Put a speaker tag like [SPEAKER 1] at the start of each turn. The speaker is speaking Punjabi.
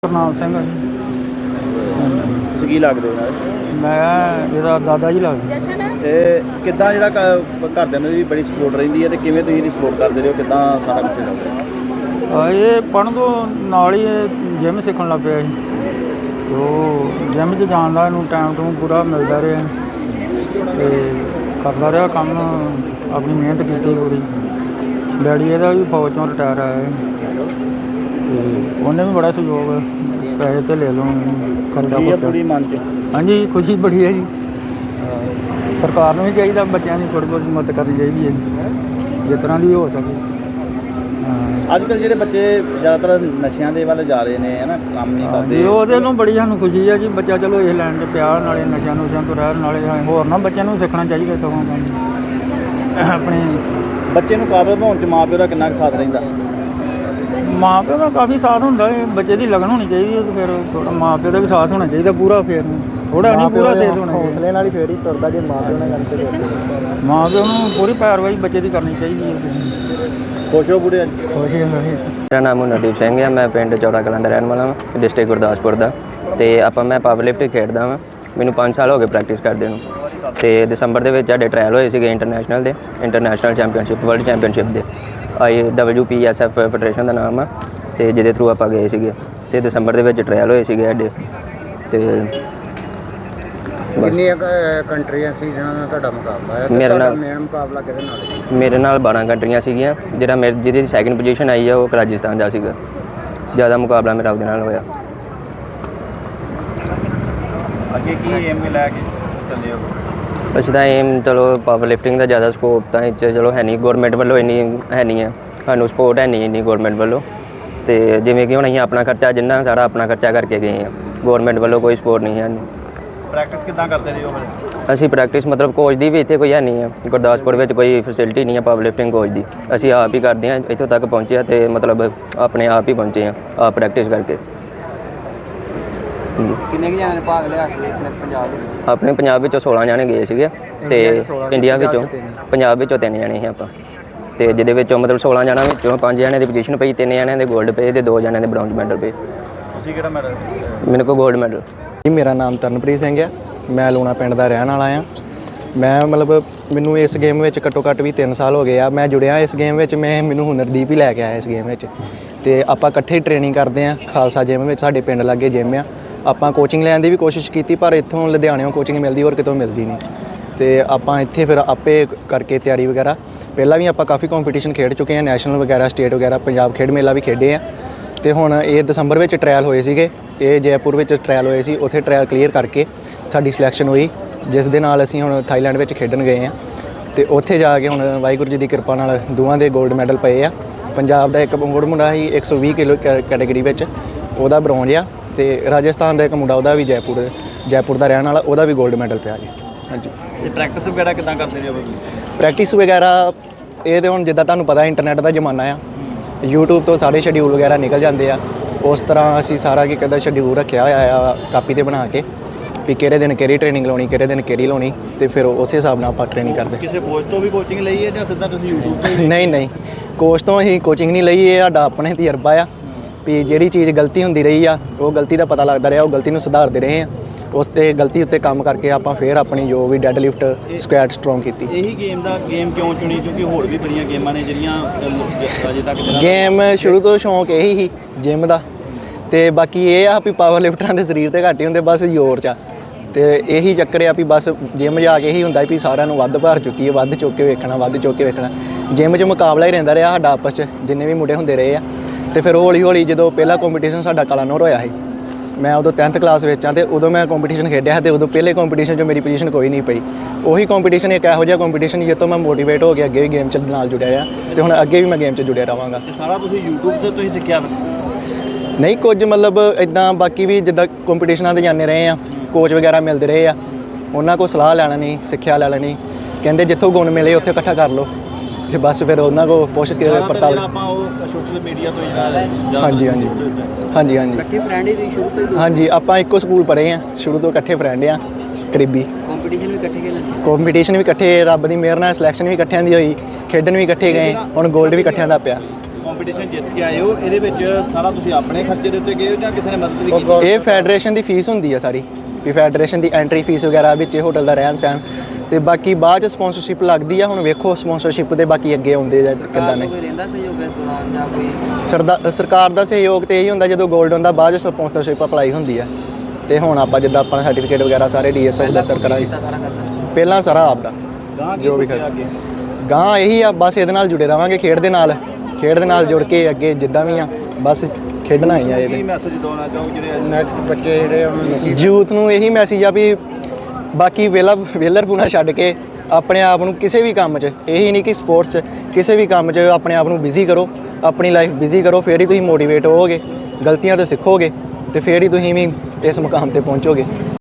[SPEAKER 1] ਕਰਨਾਲ ਸਿੰਘ ਆ ਜੀ।
[SPEAKER 2] ਤੁਸੀਂ ਕੀ ਲੱਗਦੇ ਹੋ ਨਾਲ?
[SPEAKER 1] ਮੈਂ ਇਹਦਾ ਦਾਦਾ ਜੀ ਲੱਗਦਾ।
[SPEAKER 2] ਤੇ ਕਿੱਦਾਂ ਜਿਹੜਾ ਘਰਦਿਆਂ ਨੂੰ ਵੀ ਬੜੀ ਸਪੋਰਟ ਰਹਿੰਦੀ ਹੈ ਤੇ ਕਿਵੇਂ ਤੁਸੀਂ ਇਹਦੀ ਸਪੋਰਟ ਕਰਦੇ ਹੋ? ਕਿੱਦਾਂ ਸਾਰਾ ਕੁਝ ਚੱਲਦਾ?
[SPEAKER 1] ਇਹ ਪੜ੍ਹਨ ਤੋਂ ਨਾਲ ਹੀ ਜਿਮ ਸਿੱਖਣ ਲੱਗ ਪਿਆ ਜੀ। ਉਹ ਜਿਮ 'ਚ ਜਾਣ ਦਾ ਇਹਨੂੰ ਟਾਈਮ ਟੂ ਪੂਰਾ ਮਿਲਦਾ ਰਿਹਾ ਅਤੇ ਕਰਦਾ ਰਿਹਾ ਕੰਮ, ਆਪਣੀ ਮਿਹਨਤ ਕੀਤੀ ਪੂਰੀ। ਡੈਡੀ ਇਹਦਾ ਵੀ ਫੌਜ 'ਚੋਂ ਰਿਟਾਇਰ ਆਇਆ ਅਤੇ ਉਹਨੇ ਵੀ ਬੜਾ ਸਹਿਯੋਗ, ਪੈਸੇ ਤੇ ਲੈ ਲਓ ਖਰਚਾ
[SPEAKER 2] ਪੂਰੀ ਮਨ 'ਚ।
[SPEAKER 1] ਹਾਂਜੀ, ਖੁਸ਼ੀ ਬੜੀ ਹੈ ਜੀ। ਸਰਕਾਰ ਨੂੰ ਵੀ ਚਾਹੀਦਾ ਬੱਚਿਆਂ ਦੀ ਥੋੜ੍ਹੀ ਬਹੁਤ ਮਦਦ ਕਰਨੀ ਚਾਹੀਦੀ ਹੈ ਜਿਸ ਤਰ੍ਹਾਂ ਦੀ ਹੋ ਸਕੇ।
[SPEAKER 2] ਅੱਜ ਕੱਲ੍ਹ ਜਿਹੜੇ ਬੱਚੇ ਜ਼ਿਆਦਾਤਰ ਨਸ਼ਿਆਂ ਦੇ ਵੱਲ ਜਾ ਰਹੇ ਨੇ, ਹੈ ਨਾ, ਕੰਮ ਨਹੀਂ ਕਰਦੇ,
[SPEAKER 1] ਉਹਦੇ ਨੂੰ ਬੜੀ ਸਾਨੂੰ ਖੁਸ਼ੀ ਹੈ ਜੀ। ਬੱਚਾ ਚਲੋ ਇਹ ਲਾਈਨ 'ਚ ਪਿਆ, ਨਾਲੇ ਨਸ਼ਿਆਂ ਨੁਸ਼ਿਆਂ ਤੋਂ ਰਹਿਣ, ਨਾਲੇ ਹੋਰ ਨਾ ਬੱਚਿਆਂ ਨੂੰ ਸਿੱਖਣਾ ਚਾਹੀਦਾ ਸਗੋਂ ਕੰਮ ਆਪਣੇ।
[SPEAKER 2] ਬੱਚੇ ਨੂੰ ਕਾਬਲ ਬਣਾਉਣ 'ਚ ਮਾਂ ਪਿਓ ਦਾ ਕਿੰਨਾ ਕੁ ਸਾਥ ਰਹਿੰਦਾ?
[SPEAKER 1] ਮਾਂ ਪਿਓ ਦਾ ਕਾਫੀ ਸਾਥ ਹੁੰਦਾ ਹੈ। ਬੱਚੇ ਦੀ ਲਗਨ ਹੋਣੀ ਚਾਹੀਦੀ ਹੈ, ਫਿਰ ਥੋੜ੍ਹਾ ਮਾਂ ਪਿਓ ਦਾ ਵੀ ਸਾਥ ਹੋਣਾ ਚਾਹੀਦਾ ਪੂਰਾ। ਫਿਰ ਥੋੜ੍ਹਾ ਨਹੀਂ, ਪੂਰਾ ਸਾਥ ਹੋਣਾ ਚਾਹੀਦਾ।
[SPEAKER 2] ਹੌਸਲੇ ਨਾਲ ਹੀ ਫੇਰ ਹੀ ਤੁਰਦਾ ਜੇ ਮਾਂ ਪਿਓ ਨਾਲ ਗੱਲ ਤੇ।
[SPEAKER 1] ਮਾਂ ਪਿਓ ਨੂੰ ਪੂਰੀ ਪੈਰਵਾਈ ਬੱਚੇ ਦੀ ਕਰਨੀ ਚਾਹੀਦੀ ਹੈ।
[SPEAKER 2] ਖੁਸ਼ ਹੋ ਬੁੜੇ?
[SPEAKER 1] ਖੁਸ਼ ਹੈ।
[SPEAKER 3] ਮੇਰਾ ਨਾਮ ਨਵਦੀਪ ਸਿੰਘ ਹੈ। ਮੈਂ ਪਿੰਡ ਚੌੜਾ ਕਲਾਂ ਦਾ ਰਹਿਣ ਵਾਲਾ ਹਾਂ, ਡਿਸਟ੍ਰਿਕਟ ਗੁਰਦਾਸਪੁਰ ਦਾ। ਅਤੇ ਮੈਂ ਪਾਵਰ ਲਿਫਟਿੰਗ ਖੇਡਦਾ ਹਾਂ। ਮੈਨੂੰ 5 ਸਾਲ ਹੋ ਗਏ ਪ੍ਰੈਕਟਿਸ ਕਰਦੇ ਨੂੰ। ਅਤੇ ਦਸੰਬਰ ਦੇ ਵਿੱਚ ਸਾਡੇ ਟਰਾਇਲ ਹੋਏ ਸੀਗੇ ਇੰਟਰਨੈਸ਼ਨਲ ਚੈਂਪੀਅਨਸ਼ਿਪ, ਵਰਲਡ ਚੈਂਪੀਅਨਸ਼ਿਪ ਦੇ। IWPSF ਫੈਡਰੇਸ਼ਨ ਦਾ ਨਾਮ ਆ, ਅਤੇ ਜਿਹਦੇ ਥਰੂ ਆਪਾਂ ਗਏ ਸੀਗੇ। ਅਤੇ ਦਸੰਬਰ ਦੇ ਵਿੱਚ ਟਰਾਇਲ ਹੋਏ ਸੀਗੇ ਸਾਡੇ। ਅਤੇ
[SPEAKER 2] ਕਿੰਨੀਆਂ ਕੰਟਰੀਆਂ ਸੀ ਜਿਹਨਾਂ ਨਾਲ ਤੁਹਾਡਾ ਮੁਕਾਬਲਾ ਹੈ?
[SPEAKER 3] ਮੇਰੇ ਨਾਲ
[SPEAKER 2] ਮੇਨ ਮੁਕਾਬਲਾ ਕਿਹਦੇ ਨਾਲ?
[SPEAKER 3] ਮੇਰੇ ਨਾਲ 12 ਕੰਟਰੀਆਂ ਸੀਗੀਆਂ। ਜਿਹਦੀ ਸੈਕਿੰਡ ਪੋਜੀਸ਼ਨ ਆਈ ਆ ਉਹ ਰਾਜਸਥਾਨ ਦਾ ਸੀਗਾ। ਜ਼ਿਆਦਾ ਮੁਕਾਬਲਾ ਮੇਰਾ ਉਹਦੇ ਨਾਲ ਹੋਇਆ।
[SPEAKER 2] ਅੱਗੇ ਕੀ ਏਮ ਲੈ ਕੇ ਚੱਲੇ ਹੋ?
[SPEAKER 3] ਅਸੀਂ ਤਾਂ ਏਮ, ਚਲੋ ਪਾਵਰ ਲਿਫਟਿੰਗ ਦਾ ਜ਼ਿਆਦਾ ਸਕੋਪ ਤਾਂ ਇਹ 'ਚ ਚਲੋ ਹੈ ਨਹੀਂ, ਗੌਰਮੈਂਟ ਵੱਲੋਂ ਇੰਨੀ ਹੈ ਨਹੀਂ ਹੈ, ਸਾਨੂੰ ਸਪੋਰਟ ਹੈ ਨਹੀਂ ਇੰਨੀ ਗੌਰਮੈਂਟ ਵੱਲੋਂ। ਅਤੇ ਜਿਵੇਂ ਕਿ ਹੁਣ ਅਸੀਂ ਆਪਣਾ ਖਰਚਾ, ਜਿੰਨਾ ਸਾਰਾ ਆਪਣਾ ਖਰਚਾ ਕਰਕੇ ਗਏ ਹਾਂ, ਗੌਰਮੈਂਟ ਵੱਲੋਂ ਕੋਈ ਸਪੋਰਟ ਨਹੀਂ ਹੈ ਸਾਨੂੰ।
[SPEAKER 2] ਪ੍ਰੈਕਟਿਸ ਕਿੱਦਾਂ ਕਰਦੇ ਰਹੇ ਹੋ ਫਿਰ?
[SPEAKER 3] ਅਸੀਂ ਪ੍ਰੈਕਟਿਸ ਮਤਲਬ ਕੋਚ ਦੀ ਵੀ ਇੱਥੇ ਕੋਈ ਹੈ ਨਹੀਂ ਹੈ, ਗੁਰਦਾਸਪੁਰ ਵਿੱਚ ਕੋਈ ਫੈਸਿਲਿਟੀ ਨਹੀਂ ਹੈ ਪਾਵਰ ਲਿਫਟਿੰਗ ਕੋਚ ਦੀ। ਅਸੀਂ ਆਪ ਹੀ ਕਰਦੇ ਹਾਂ, ਇੱਥੋਂ ਤੱਕ ਪਹੁੰਚੇ ਹਾਂ ਅਤੇ ਮਤਲਬ ਆਪਣੇ ਆਪ ਹੀ ਪਹੁੰਚੇ ਹਾਂ, ਆਪ ਪ੍ਰੈਕਟਿਸ ਕਰਕੇ।
[SPEAKER 2] ਕਿੰਨੇ ਕੁ ਜਣਿਆਂ ਨੇ ਭਾਗ ਲਿਆ ਸੀ ਆਪਣੇ ਪੰਜਾਬ ਵਿੱਚ?
[SPEAKER 3] ਆਪਣੇ ਪੰਜਾਬ ਵਿੱਚੋਂ 16 ਜਣੇ ਗਏ ਸੀਗੇ, ਅਤੇ ਇੰਡੀਆ ਵਿੱਚੋਂ ਪੰਜਾਬ ਵਿੱਚੋਂ 3 ਜਣੇ ਸੀ ਆਪਾਂ। ਅਤੇ ਜਿਹਦੇ ਵਿੱਚੋਂ ਮਤਲਬ 16 ਜਣਾਂ ਵਿੱਚੋਂ 5 ਜਣਿਆਂ ਦੀ ਪੋਜੀਸ਼ਨ ਪਈ, 3 ਜਣਿਆਂ ਦੇ 골ਡ ਪਏ ਅਤੇ 2 ਜਣਿਆਂ ਦੇ ਬ੍ਰੌਂਜ਼ ਮੈਡਲ ਪਏ।
[SPEAKER 2] ਤੁਸੀਂ ਕਿਹੜਾ ਮੈਡਲ?
[SPEAKER 3] ਮੈਨੂੰ ਕੋਲ 골ਡ ਮੈਡਲ।
[SPEAKER 4] ਜੀ, ਮੇਰਾ ਨਾਮ ਤਰਨਪ੍ਰੀਤ ਸਿੰਘ ਹੈ। ਮੈਂ ਲੂਣਾ ਪਿੰਡ ਦਾ ਰਹਿਣ ਵਾਲਾ ਹਾਂ। ਮੈਂ ਮੈਨੂੰ ਇਸ ਗੇਮ ਵਿੱਚ ਘੱਟੋ ਘੱਟ ਵੀ 3 ਸਾਲ ਹੋ ਗਏ ਆ। ਮੈਂ ਜੁੜਿਆ ਇਸ ਗੇਮ ਵਿੱਚ, ਮੈਨੂੰ ਹੁਨਰਦੀਪ ਹੀ ਲੈ ਕੇ ਆਇਆ ਇਸ ਗੇਮ ਵਿੱਚ। ਅਤੇ ਆਪਾਂ ਇਕੱਠੇ ਟ੍ਰੇਨਿੰਗ ਕਰਦੇ ਹਾਂ ਖਾਲਸਾ ਜਿਮ ਵਿੱਚ, ਸਾਡੇ ਪਿੰਡ ਲਾਗੇ ਜਿਮ ਆ। ਆਪਾਂ ਕੋਚਿੰਗ ਲੈਣ ਦੀ ਵੀ ਕੋਸ਼ਿਸ਼ ਕੀਤੀ, ਪਰ ਇੱਥੋਂ ਲੁਧਿਆਣਿਓਂ ਕੋਚਿੰਗ ਮਿਲਦੀ, ਹੋਰ ਕਿਤੋਂ ਮਿਲਦੀ ਨਹੀਂ। ਅਤੇ ਆਪਾਂ ਇੱਥੇ ਫਿਰ ਆਪੇ ਕਰਕੇ ਤਿਆਰੀ ਵਗੈਰਾ, ਪਹਿਲਾਂ ਵੀ ਆਪਾਂ ਕਾਫੀ ਕੰਪੀਟੀਸ਼ਨ ਖੇਡ ਚੁੱਕੇ ਹਾਂ, ਨੈਸ਼ਨਲ ਵਗੈਰਾ, ਸਟੇਟ ਵਗੈਰਾ, ਪੰਜਾਬ ਖੇਡ ਮੇਲਾ ਵੀ ਖੇਡੇ ਆ। ਅਤੇ ਹੁਣ ਇਹ ਦਸੰਬਰ ਵਿੱਚ ਟਰਾਇਲ ਹੋਏ ਸੀਗੇ, ਇਹ ਜੈਪੁਰ ਵਿੱਚ ਟਰਾਇਲ ਹੋਏ ਸੀ। ਉੱਥੇ ਟਰਾਇਲ ਕਲੀਅਰ ਕਰਕੇ ਸਾਡੀ ਸਿਲੈਕਸ਼ਨ ਹੋਈ, ਜਿਸ ਦੇ ਨਾਲ ਅਸੀਂ ਹੁਣ ਥਾਈਲੈਂਡ ਵਿੱਚ ਖੇਡਣ ਗਏ ਹਾਂ। ਅਤੇ ਉੱਥੇ ਜਾ ਕੇ ਹੁਣ ਵਾਹਿਗੁਰੂ ਜੀ ਦੀ ਕਿਰਪਾ ਨਾਲ ਦੋਵਾਂ ਦੇ 골ਡ ਮੈਡਲ ਪਏ ਆ। ਪੰਜਾਬ ਦਾ ਇੱਕ ਮੁੰਡਾ ਸੀ 120 ਕਿਲੋ ਕੈਟੇਗਰੀ ਵਿੱਚ, ਉਹਦਾ ਬ੍ਰੌਂਜ਼ ਆ। ਅਤੇ ਰਾਜਸਥਾਨ ਦਾ ਇੱਕ ਮੁੰਡਾ, ਉਹਦਾ ਵੀ ਜੈਪੁਰ ਦਾ ਰਹਿਣ ਵਾਲਾ, ਉਹਦਾ ਵੀ 골ਡ ਮੈਡਲ ਪਿਆ ਜੀ। ਹਾਂਜੀ।
[SPEAKER 2] ਤੇ ਪ੍ਰੈਕਟਿਸ ਵਗੈਰਾ ਕਿੱਦਾਂ ਕਰਦੇ ਰਹੇ ਹੋ?
[SPEAKER 4] ਪ੍ਰੈਕਟਿਸ ਵਗੈਰਾ ਇਹ ਤਾਂ ਹੁਣ ਜਿੱਦਾਂ ਤੁਹਾਨੂੰ ਪਤਾ ਇੰਟਰਨੈਟ ਦਾ ਜ਼ਮਾਨਾ ਆ, YouTube ਤੋਂ ਸਾਰੇ ਸ਼ਡਿਊਲ ਵਗੈਰਾ ਨਿਕਲ ਜਾਂਦੇ ਆ। ਉਸ ਤਰ੍ਹਾਂ ਅਸੀਂ ਸਾਰਾ ਕੀ ਕਦਾ ਸ਼ਡਿਊਲ ਰੱਖਿਆ ਹੋਇਆ ਆ ਕਾਪੀ 'ਤੇ ਬਣਾ ਕੇ, ਵੀ ਕਿਹੜੇ ਦਿਨ ਕਿਹੜੀ ਟ੍ਰੇਨਿੰਗ ਲਾਉਣੀ, ਕਿਹੜੇ ਦਿਨ ਕਿਹੜੀ ਲਾਉਣੀ, ਅਤੇ ਫਿਰ ਉਸੇ ਹਿਸਾਬ ਨਾਲ ਆਪਾਂ ਟ੍ਰੇਨਿੰਗ ਕਰਦੇ।
[SPEAKER 2] ਕਿਸੇ ਕੋਚ ਤੋਂ ਵੀ ਕੋਚਿੰਗ ਲਈ ਹੈ ਜਾਂ ਸਿੱਧਾ ਤੁਸੀਂ YouTube ਤੋਂ?
[SPEAKER 4] ਨਹੀਂ, ਕੋਚ ਤੋਂ ਅਸੀਂ ਕੋਚਿੰਗ ਨਹੀਂ ਲਈ। ਇਹ ਸਾਡਾ ਆਪਣੇ ਤਜਰਬਾ ਆ ਵੀ ਜਿਹੜੀ ਚੀਜ਼ ਗਲਤੀ ਹੁੰਦੀ ਰਹੀ ਆ, ਉਹ ਗਲਤੀ ਦਾ ਪਤਾ ਲੱਗਦਾ ਰਿਹਾ, ਉਹ ਗਲਤੀ ਨੂੰ ਸੁਧਾਰਦੇ ਰਹੇ ਆ। ਉਸ 'ਤੇ ਗਲਤੀ ਉੱਤੇ ਕੰਮ ਕਰਕੇ ਆਪਾਂ ਫਿਰ ਆਪਣੀ ਜੋ ਵੀ ਡੈੱਡ ਲਿਫਟ, ਸਕੁਐਟ ਸਟਰੋਂਗ ਕੀਤੀ।
[SPEAKER 2] ਇਹੀ ਗੇਮ ਕਿਉਂ ਚੁਣੀ? ਕਿਉਂਕਿ ਹੋਰ ਵੀ ਬੜੀਆਂ ਗੇਮਾਂ ਨੇ ਜਿਹੜੀਆਂ ਅਜੇ ਤੱਕ
[SPEAKER 4] ਗੇਮ ਸ਼ੁਰੂ ਤੋਂ ਸ਼ੌਂਕ ਇਹੀ ਸੀ ਜਿਮ ਦਾ, ਅਤੇ ਬਾਕੀ ਇਹ ਆ ਵੀ ਪਾਵਰ ਲਿਫਟਰਾਂ ਦੇ ਸਰੀਰ 'ਤੇ ਘੱਟ ਹੀ ਹੁੰਦੇ, ਬਸ ਜ਼ੋਰ 'ਚ। ਅਤੇ ਇਹੀ ਚੱਕਰ ਆ ਵੀ ਬਸ ਜਿਮ ਜਾ ਕੇ ਇਹੀ ਹੁੰਦਾ ਵੀ ਸਾਰਿਆਂ ਨੂੰ ਵੱਧ ਭਾਰ ਚੁੱਕੀ ਹੈ, ਵੱਧ ਚੁੱਕ ਕੇ ਵੇਖਣਾ। ਜਿਮ 'ਚ ਮੁਕਾਬਲਾ ਹੀ ਰਹਿੰਦਾ ਰਿਹਾ ਸਾਡਾ ਆਪਸ 'ਚ, ਜਿੰਨੇ ਵੀ ਮੁੰਡੇ ਹੁੰਦੇ ਰਹੇ ਆ। ਅਤੇ ਫਿਰ ਹੌਲੀ ਜਦੋਂ ਪਹਿਲਾ ਕੰਪੀਟੀਸ਼ਨ ਸਾਡਾ ਕਲਾਨੌਰ ਹੋਇਆ ਸੀ, ਮੈਂ ਉਦੋਂ 10th ਕਲਾਸ ਵਿੱਚ ਹਾਂ, ਅਤੇ ਉਦੋਂ ਮੈਂ ਕੰਪੀਟੀਸ਼ਨ ਖੇਡਿਆ, ਅਤੇ ਉਦੋਂ ਪਹਿਲੇ ਕੰਪੀਟੀਸ਼ਨ 'ਚ ਮੇਰੀ ਪੋਜੀਸ਼ਨ ਕੋਈ ਨਹੀਂ ਪਈ। ਉਹੀ ਕੰਪੀਟੀਸ਼ਨ ਇੱਕ ਇਹੋ ਜਿਹਾ ਕੰਪੀਟੀਸ਼ਨ ਜਿਸ ਤੋਂ ਮੈਂ ਮੋਟੀਵੇਟ ਹੋ ਕੇ ਅੱਗੇ ਵੀ ਗੇਮ 'ਚ ਨਾਲ ਜੁੜਿਆ ਆ, ਅਤੇ ਹੁਣ ਅੱਗੇ ਵੀ ਮੈਂ ਗੇਮ 'ਚ ਜੁੜਿਆ ਰਹਾਂਗਾ।
[SPEAKER 2] ਤੇ ਸਾਰਾ ਤੁਸੀਂ YouTube ਤੋਂ ਤੁਸੀਂ ਸਿੱਖਿਆ?
[SPEAKER 4] ਨਹੀਂ, ਕੁਝ ਮਤਲਬ ਇੱਦਾਂ, ਬਾਕੀ ਵੀ ਜਿੱਦਾਂ ਕੰਪੀਟੀਸ਼ਨਾਂ 'ਤੇ ਜਾਂਦੇ ਰਹੇ ਆ, ਕੋਚ ਵਗੈਰਾ ਮਿਲਦੇ ਰਹੇ ਆ, ਉਹਨਾਂ ਕੋਲ ਸਲਾਹ ਲੈ ਲੈਣੀ, ਸਿੱਖਿਆ ਲੈ ਲੈਣੀ। ਕਹਿੰਦੇ ਜਿੱਥੋਂ ਗੁਣ ਮਿਲੇ ਉੱਥੇ ਇਕੱਠਾ ਕਰ ਲਓ, ਅਤੇ ਬਸ ਫਿਰ ਉਹਨਾਂ ਕੋਲ ਪੁੱਛ ਕੇ ਪੜਤਾਲ।
[SPEAKER 2] ਆਪਾਂ ਉਹ ਸੋਸ਼ਲ ਮੀਡੀਆ ਤੋਂ ਜਿਹੜਾ
[SPEAKER 4] ਹਾਂਜੀ।
[SPEAKER 2] ਇਕੱਠੇ ਫਰੈਂਡ ਹੀ ਸ਼ੁਰੂ ਤੋਂ?
[SPEAKER 4] ਹਾਂਜੀ, ਆਪਾਂ ਇੱਕੋ ਸਕੂਲ ਪੜ੍ਹੇ ਆ, ਸ਼ੁਰੂ ਤੋਂ ਇਕੱਠੇ ਫਰੈਂਡ ਆ, ਕਰੀਬੀ। ਕੰਪੀਟੀਸ਼ਨ ਵੀ ਇਕੱਠੇ, ਰੱਬ ਦੀ ਮਿਹਰ ਨਾਲ ਸਿਲੈਕਸ਼ਨ ਵੀ ਇਕੱਠਿਆਂ ਦੀ ਹੋਈ, ਖੇਡਣ ਵੀ ਇਕੱਠੇ ਗਏ, ਹੁਣ 골ਡ ਵੀ ਇਕੱਠਿਆਂ ਦਾ ਪਿਆ।
[SPEAKER 2] ਕੰਪੀਟੀਸ਼ਨ ਜਿੱਤ ਕੇ ਆਏ ਹੋ ਇਹਦੇ ਵਿੱਚ ਸਾਰਾ ਤੁਸੀਂ ਆਪਣੇ ਖਰਚੇ ਦੇ ਉੱਤੇ ਗਏ ਹੋ ਜਾਂ ਕਿਸੇ ਨੇ ਮਦਦ ਵੀ ਕੀਤੀ?
[SPEAKER 4] ਇਹ ਫੈਡਰੇਸ਼ਨ ਦੀ ਫੀਸ ਹੁੰਦੀ ਆ ਸਾਰੀ, ਵੀ ਫੈਡਰੇਸ਼ਨ ਦੀ ਐਂਟਰੀ ਫੀਸ ਵਗੈਰਾ ਵਿੱਚ ਹੋਟਲ ਦਾ ਰਹਿਣ ਸਹਿਣ, ਤੇ ਬਾਕੀ ਬਾਅਦ ਚ ਸਪਾਂਸਰਸ਼ਿਪ ਲੱਗਦੀ ਆ। ਹੁਣ ਵੇਖੋ ਸਪਾਂਸਰਸ਼ਿਪ ਦੇ ਬਾਕੀ ਅੱਗੇ ਆਉਂਦੇ ਜਾਂ ਕਿੱਦਾਂ ਨੇ। ਸਰਕਾਰ ਦਾ ਸਹਿਯੋਗ ਤੇ ਇਹੀ ਹੁੰਦਾ ਜਦੋਂ 골ਡ ਹੁੰਦਾ, ਬਾਅਦ ਚ ਸਪਾਂਸਰਸ਼ਿਪ ਅਪਲਾਈ ਹੁੰਦੀ ਆ। ਤੇ ਹੁਣ ਆਪਾਂ ਜਿੱਦਾਂ ਆਪਣਾ ਸਰਟੀਫਿਕੇਟ ਵਗੈਰਾ ਸਾਰੇ ਡੀਐਸਓ ਦਫ਼ਤਰ ਕਰਾਂਗੇ। ਪਹਿਲਾਂ ਸਾਰਾ ਆਪਦਾ
[SPEAKER 2] ਗਾਂ ਕੀ
[SPEAKER 4] ਜੋ ਵੀ
[SPEAKER 2] ਸੋਚਿਆ ਅੱਗੇ?
[SPEAKER 4] ਗਾਂ ਇਹੀ ਆ, ਬਸ ਇਹਦੇ ਨਾਲ ਜੁੜੇ ਰਵਾਂਗੇ, ਖੇਡ ਦੇ ਨਾਲ ਜੁੜ ਕੇ ਅੱਗੇ ਜਿੱਦਾਂ ਵੀ ਆ ਬਸ ਖੇਡਣਾ ਹੀ ਆ।
[SPEAKER 2] ਕੀ
[SPEAKER 4] ਇਹਦੇ
[SPEAKER 2] ਮੈਸੇਜ ਦੇਣਾ ਚਾਹੋਗੇ ਜਿਹੜੇ
[SPEAKER 4] ਨੈਕਸਟ ਬੱਚੇ ਜਿਹੜੇ ਯੂਥ ਨੂੰ ਇਹੀ ਮੈਸੇਜ ਆ ਵੀ ਬਾਕੀ ਵੇਲਰਪੂਣਾ ਛੱਡ ਕੇ ਆਪਣੇ ਆਪ ਨੂੰ ਕਿਸੇ ਵੀ ਕੰਮ 'ਚ, ਇਹੀ ਨਹੀਂ ਕਿ ਸਪੋਰਟਸ 'ਚ, ਕਿਸੇ ਵੀ ਕੰਮ 'ਚ ਆਪਣੇ ਆਪ ਨੂੰ ਬਿਜ਼ੀ ਕਰੋ, ਆਪਣੀ ਲਾਈਫ ਬਿਜ਼ੀ ਕਰੋ, ਫੇਰ ਹੀ ਤੁਸੀਂ ਮੋਟੀਵੇਟ ਹੋਵੋਗੇ, ਗਲਤੀਆਂ ਤੋਂ ਸਿੱਖੋਗੇ ਤੇ ਫੇਰ ਹੀ ਤੁਸੀਂ ਵੀ ਇਸ ਮੁਕਾਮ ਤੇ ਪਹੁੰਚੋਗੇ।